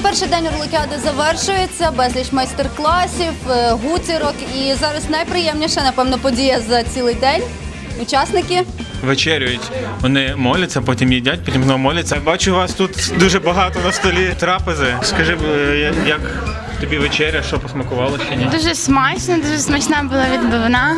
Перший день Орликіади завершується, безліч майстер-класів, гуцірок. І зараз найприємніша, напевно, подія за цілий день. Учасники вечерюють. Вони моляться, потім їдять, потім знову моляться. Бачу, у вас тут дуже багато на столі трапези. Скажи, як тобі вечеря, що посмакувало чи ні? Дуже смачно, дуже смачна була відбивна.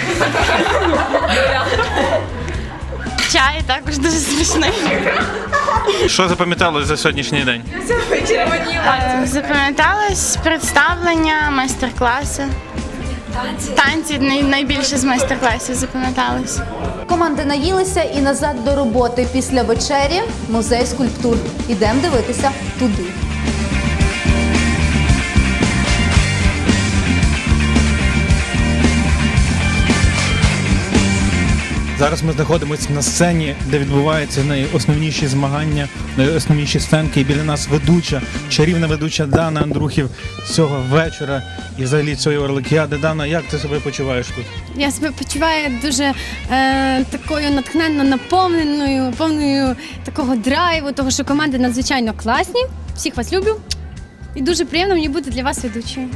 Чай також дуже смачний. Що запам'яталось за сьогоднішній день? Запам'яталось представлення, майстер-класи. Танці найбільше з майстер-класів запам'яталось. команди наїлися і назад до роботи. Після вечері музей скульптур. Ідемо дивитися туди. Зараз ми знаходимося на сцені, де відбуваються найосновніші змагання, найосновніші сценки. І біля нас ведуча, чарівна ведуча Дана Андрухів цього вечора і взагалі цієї Орликіади. Дана, як ти себе почуваєш тут? Я себе почуваю дуже такою натхненно наповненою, повною такого драйву, того, що команди надзвичайно класні. Всіх вас люблю. І дуже приємно мені бути для вас ведучою.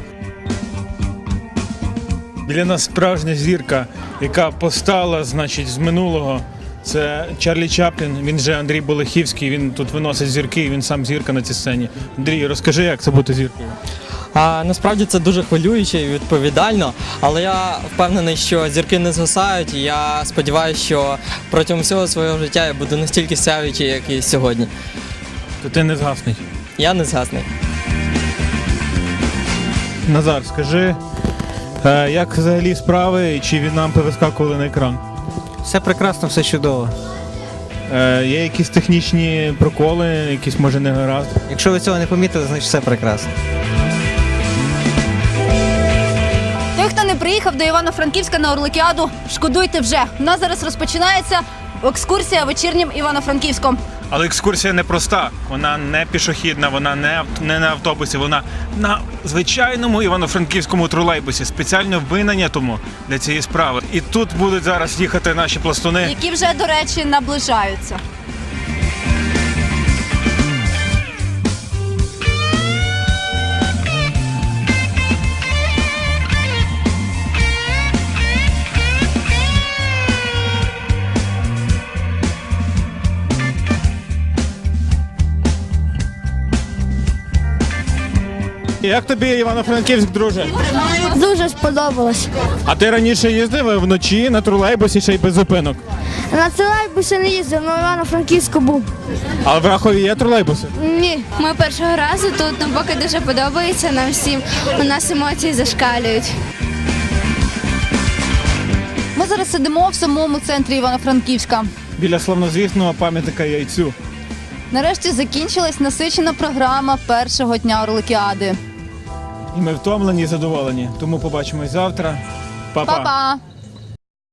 Біля нас справжня зірка, яка постала, значить, з минулого. Це Чарлі Чаплін, він же Андрій Болехівський, він тут виносить зірки, він сам зірка на цій сцені. Андрій, розкажи, як це бути зіркою? Насправді це дуже хвилююче і відповідально, але я впевнений, що зірки не згасають, і я сподіваюся, що протягом всього свого життя я буду настільки сяючий, як і сьогодні. То ти не згасний. Я не згасний. Назар, скажи, як взагалі справи, і чи від нам повискакували на екран? Все прекрасно, все чудово. Є якісь технічні проколи, якісь, може, негаразд? Якщо ви цього не помітили, значить все прекрасно. Той, хто не приїхав до Івано-Франківська на Орликіаду, шкодуйте вже. У нас зараз розпочинається екскурсія вечірнім Івано-Франківськом. Але екскурсія не проста, вона не пішохідна, вона не на автобусі, вона на звичайному івано-франківському тролейбусі, спеціально винайнятому для цієї справи. І тут будуть зараз їхати наші пластуни. Які вже, до речі, наближаються. Як тобі Івано-Франківськ, друже? Дуже сподобалось. А ти раніше їздив вночі на тролейбусі ще й без зупинок? На тролейбусі не їздив, але Івано-Франківську був. А в Рахові є тролейбуси? Ні. Ми першого разу тут, поки дуже подобається нам всім. У нас емоції зашкалюють. Ми зараз сидимо в самому центрі Івано-Франківська. Біля славнозвісного пам'ятника Яйцю. Нарешті закінчилась насичена програма першого дня Орликіади. І ми втомлені і задоволені. Тому побачимось завтра. Па-па! Па-па!